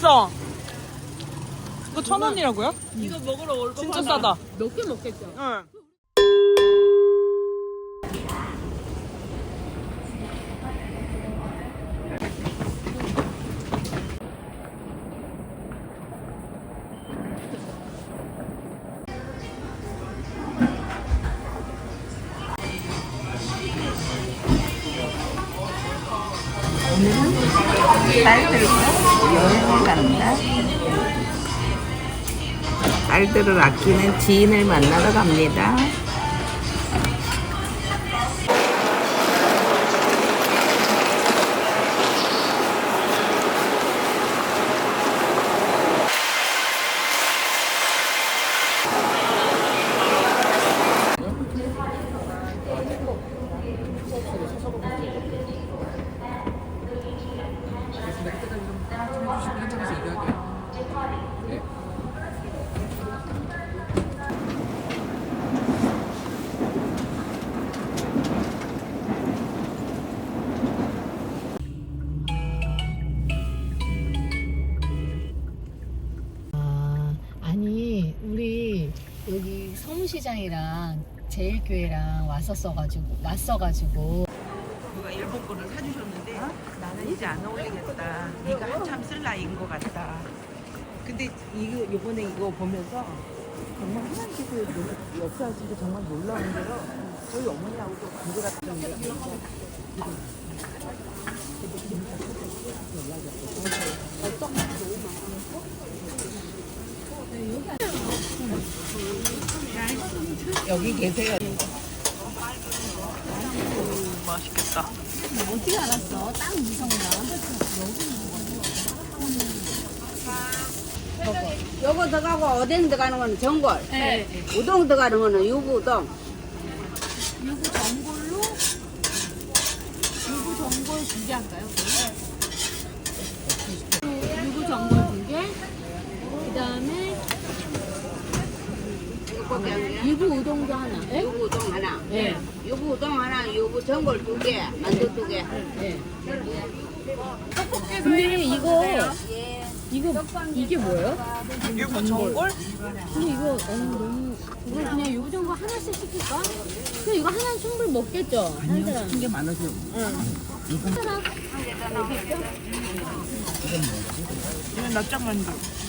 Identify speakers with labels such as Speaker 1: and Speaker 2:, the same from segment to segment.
Speaker 1: 맛있어. 이거 1,000원이라고요?
Speaker 2: 이거 먹으러 올 거.
Speaker 1: 진짜 싸다.
Speaker 2: 몇 개 먹겠죠?
Speaker 1: 응.
Speaker 3: 딸들과 여행을 간다. 딸들을 아끼는 지인을 만나러 갑니다.
Speaker 2: 아니 우리 여기 서문시장이랑 제일교회랑 왔어가지고
Speaker 3: 누가 일본 거를 사주셨는데 나는 이제 안 어울리겠다. 네가 한참 쓸 나이인 것 같다. 근데 이번에 이거 보면서 정말 하나님께서 역사하신 게 정말 놀라운 게요. 저희 어머니하고도 관계가 여기 계세요.
Speaker 1: 맛있겠다.
Speaker 2: 어떻게 알았어? 딱 무성이다.
Speaker 4: 요거 들어가고 오뎅 들어가는 거는 전골,
Speaker 2: 네.
Speaker 4: 우동 들어가는 거는 유부우동.
Speaker 2: 유부 전골로 유부 전골 2개 할까요? 유부 전골 2개. 그다음에 유부 우동도 하나. 네?
Speaker 4: 유부우동 하나,
Speaker 2: 네.
Speaker 4: 유부우동 하나, 유부 전골 2개, 만두 2개.
Speaker 2: 네. 근데 이게 뭐예요?
Speaker 1: 유부 전골?
Speaker 2: 근데 이거 너무 이거 그냥 유부 전골 하나씩 시킬까? 그냥 이거 하나 충분히 먹겠죠? 한 사람.
Speaker 3: 게 많아서
Speaker 2: 한 사람.
Speaker 1: 이건 납작만두.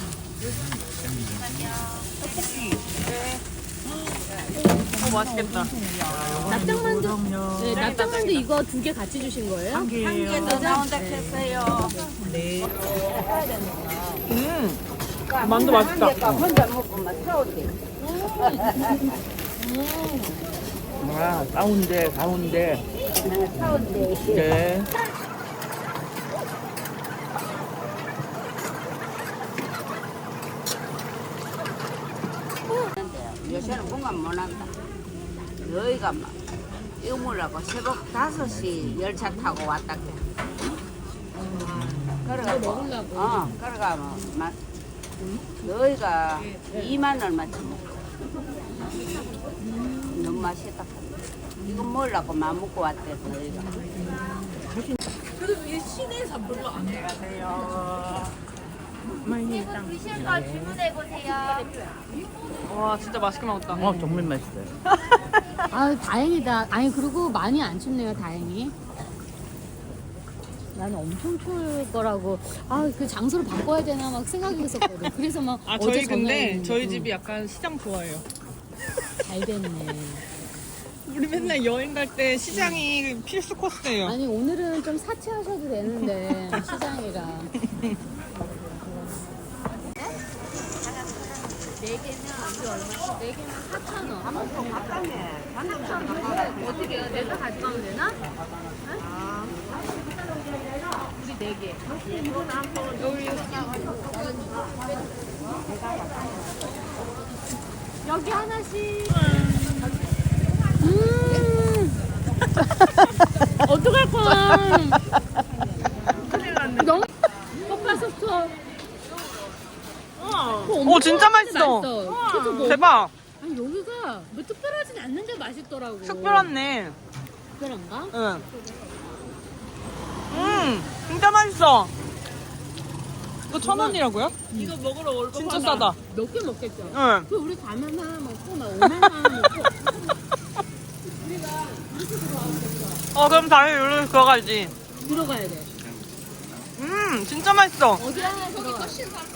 Speaker 1: 맛있겠다.
Speaker 2: 납작만두. 네, 납작만두 이거 2개 같이 주신 거예요?
Speaker 4: 한 개 더 나온다 했어요.
Speaker 1: 만두 맛있다.
Speaker 4: 혼자 먹고 막 사오지.
Speaker 3: 가운데
Speaker 4: 사오지.
Speaker 3: 네.
Speaker 4: 요새는 공감 못 한다. 여기가 막 이거 뭐라고 새벽 5시 열차 타고 왔다. 그래가고 그래가 막 여기가 2만 얼마치 먹고 너무 맛있다. 이거 먹으려고 맘 먹고 왔대 너희가.
Speaker 1: 와 진짜 맛있게 먹었다.
Speaker 3: 정말 맛있어요.
Speaker 2: 아 다행이다. 아니 그리고 많이 안 춥네요. 다행히. 나는 엄청 추울 거라고 그 장소를 바꿔야 되나 막 생각이 했었거든. 그래서 막 어제
Speaker 1: 저희 근데
Speaker 2: 전화했는데.
Speaker 1: 저희 집이 약간 시장 좋아해요.
Speaker 2: 잘 됐네.
Speaker 1: 우리 맨날 여행 갈 때 시장이 필수 코스예요.
Speaker 2: 아니 오늘은 좀 사치하셔도 되는데 시장이라. 4개면 이게 얼마지? 4개면 4,000원.
Speaker 4: 가깝네.
Speaker 2: 4,000원. 어떻게 해요? 내가 가져가면 되나? 우리 4개. 여기 하나씩. 어떡할 거야. 너무 볶아서부터.
Speaker 1: 진짜 맛있어. 대박.
Speaker 2: 아니 여기가 뭐 특별하진 않는데 맛있더라고.
Speaker 1: 특별하네.
Speaker 2: 특별한가?
Speaker 1: 응. 진짜 맛있어. 이거 1,000원이라고요?
Speaker 3: 이거 먹으러 올 거.
Speaker 1: 진짜 싸다.
Speaker 2: 몇 개 먹겠죠?
Speaker 1: 응.
Speaker 2: 그 우리 가면 하나 먹고 막 오면 하나 먹고
Speaker 1: 그럼 다시 여기로 들어가야지.
Speaker 2: 들어가야 돼.
Speaker 1: 진짜 맛있어.
Speaker 2: 어디 하나 들어가.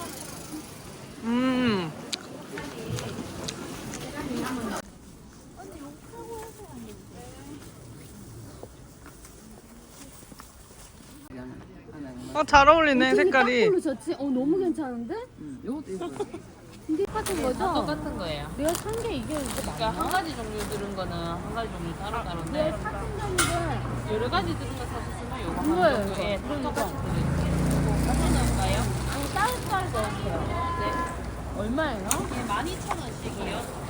Speaker 1: 잘 어울리네, 색깔이.
Speaker 2: 딱걸로 졌지? 너무 괜찮은데?
Speaker 3: 이것도 있어.
Speaker 2: 이게 똑같은 거죠?
Speaker 5: 똑같은 거예요.
Speaker 2: 내가 산 게 이게
Speaker 5: 그러니까 한 가지 종류 들은 거는 한 가지 종류 따로 따로인데
Speaker 2: 샀던 건데
Speaker 5: 여러 가지 들은 거 사셨으면 요거
Speaker 2: 이거예요,
Speaker 5: 한 종류에
Speaker 2: 이거.
Speaker 5: 똑같이 들어있어요. 요거 같이 넣을까요?
Speaker 2: 따뜻하게 넣으세요.
Speaker 5: 네.
Speaker 2: 얼마예요?
Speaker 5: 예, 12,000원씩이요.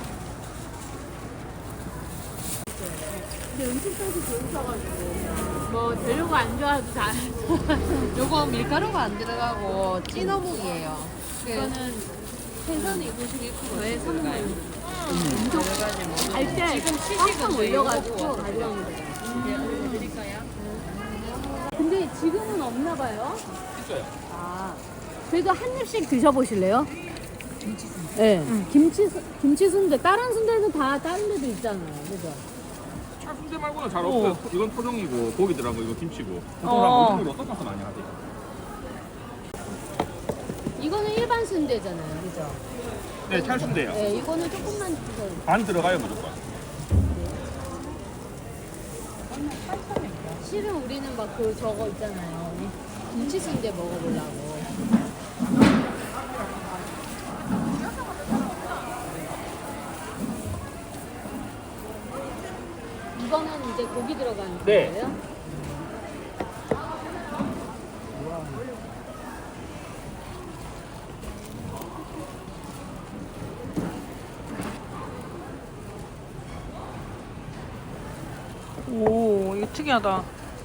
Speaker 2: 근데 음식점에서 좋으셔가지고 뭐 재료가 안 좋아도 다
Speaker 5: 요거 밀가루가 안 들어가고 찐어묵이에요.
Speaker 2: 이거는
Speaker 5: 생선이 91%.
Speaker 2: 왜 사는 거예요?
Speaker 5: 여러 가지 뭐.
Speaker 2: 알때
Speaker 5: 지금
Speaker 2: 꽉꽉
Speaker 5: 시식은
Speaker 2: 올려가지고
Speaker 5: 요거
Speaker 2: 가져가면 돼요.
Speaker 5: 네, 알려드릴까요?
Speaker 2: 근데 지금은 없나 봐요?
Speaker 6: 있어요.
Speaker 2: 아, 그래도 한 입씩 드셔보실래요? 네. 김치 순대. 다른 순대는 다 다른 데도 있잖아요. 그죠?
Speaker 6: 차 순대 말고는 잘 없어요. 이건 토종이고 고기 들어간 거 이거 김치고. 보통
Speaker 1: 어.
Speaker 6: 사람 우동으로 섞어서 많이 하지.
Speaker 2: 이거는 일반 순대잖아요. 그죠?
Speaker 6: 네, 찰순대요.
Speaker 2: 네, 이거는 조금만 드셔요.
Speaker 6: 반 들어가요 무조건.
Speaker 2: 실은 우리는 막 그 저거 있잖아요. 김치 순대 먹어보려고. 이거는 이제 고기 들어간
Speaker 6: 네.
Speaker 2: 거예요?
Speaker 1: 오, 이거 특이하다.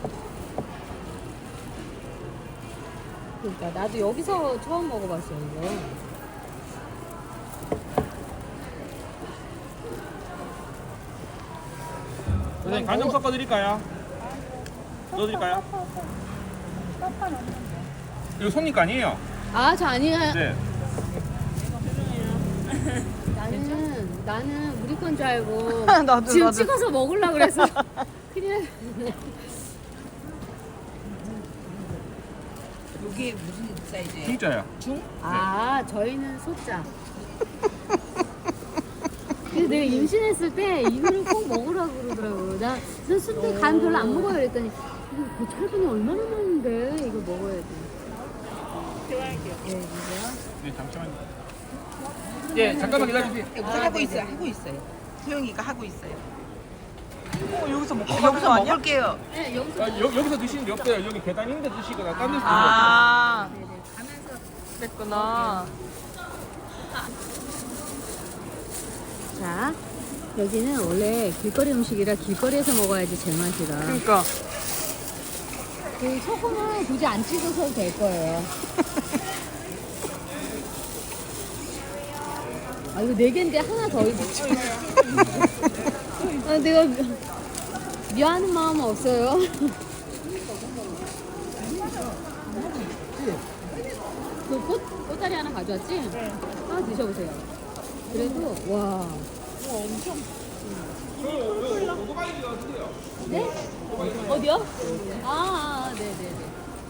Speaker 2: 그러니까 나도 여기서 처음 먹어봤어요 이거.
Speaker 6: 선생님 간장 섞어드릴까요? 넣어드릴까요? 이거 손님 거 아니에요?
Speaker 2: 아, 저 아니에요.
Speaker 6: 네.
Speaker 2: 나는 우리 건 줄 알고
Speaker 1: 나도,
Speaker 2: 지금
Speaker 1: 나도.
Speaker 2: 찍어서 먹으려고 그래서 그냥
Speaker 3: 이게 무슨 사이즈예요?
Speaker 6: 진짜요.
Speaker 2: 아 저희는 소자. 그래서 내가 임신했을 때 이거를 꼭 먹으라고 그러더라고요. 난 순대 간 별로 안 먹어요 그랬더니 이거 고철분이 얼마나 많은데 이거 먹어야 돼.
Speaker 3: 좋아할게요.
Speaker 2: 네, 그죠?
Speaker 6: 네, 잠시만요. 예, 잠깐만 기다려주세요.
Speaker 3: 하고 있어요. 하고 있어요. 소영이가 하고 있어요.
Speaker 1: 여기서 먹고
Speaker 3: 여기서 먹을게요.
Speaker 2: 네, 여기서
Speaker 6: 여기서 드시는 게 없어요. 여기 계단 있는데 드시거나 딴 데서
Speaker 1: 아,
Speaker 2: 네네, 가면서
Speaker 1: 그랬구나.
Speaker 2: 자 여기는 원래 길거리 음식이라 길거리에서 먹어야지 제맛이라
Speaker 1: 그러니까.
Speaker 2: 그 소금을 굳이 안 찍으셔도 될 거예요. 아 이거 4개인데 하나 더 있어. 아 내가 미안한 마음 없어요. 그 꽃다리 하나 가져왔지? 하나 드셔보세요. 그래도 와. 네? 어디요? 네네네.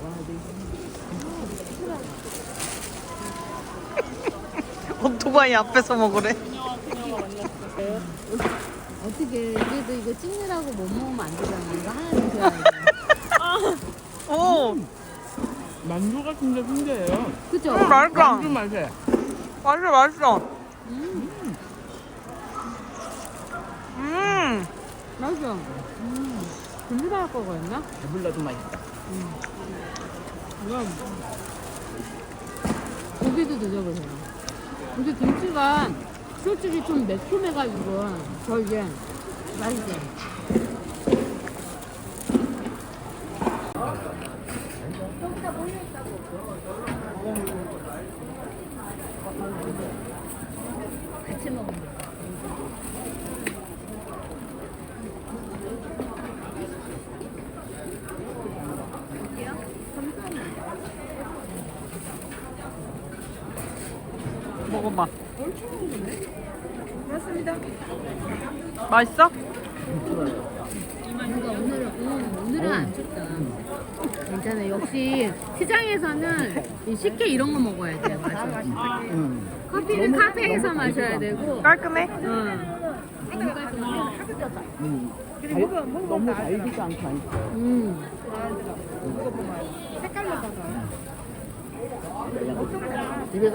Speaker 1: 오토바이 앞에서 먹으래.
Speaker 2: 어떻게 그래도 이거 찍느라고 못 먹으면 안 되잖아. 이거 하나 드셔야 돼.
Speaker 1: 오,
Speaker 6: 만두 같은데 순대예요.
Speaker 2: 그죠?
Speaker 1: 맛있다.
Speaker 6: 맛에.
Speaker 1: 맛있어, 맛있어.
Speaker 2: 맛있어. 분리할 거거든요?
Speaker 3: 배불러도 맛있다.
Speaker 2: 고기도 드셔보세요. 근데 김치가 솔직히 좀 매콤해가지고 저 이게 맛있어요. 같이 먹으면 돼.
Speaker 1: 먹어봐. 맛있어?
Speaker 2: 그러니까 오늘은 안 춥다. 괜찮아. 역시 시장에서는 이 식혜 이런 거 먹어야 돼. 맞아. 커피는 카페에서 마셔야 되고.
Speaker 1: 깔끔해?
Speaker 2: 응. 너무 깔끔해.
Speaker 3: 너무 달지도 않고
Speaker 2: 색깔로 봐서.
Speaker 3: 집에서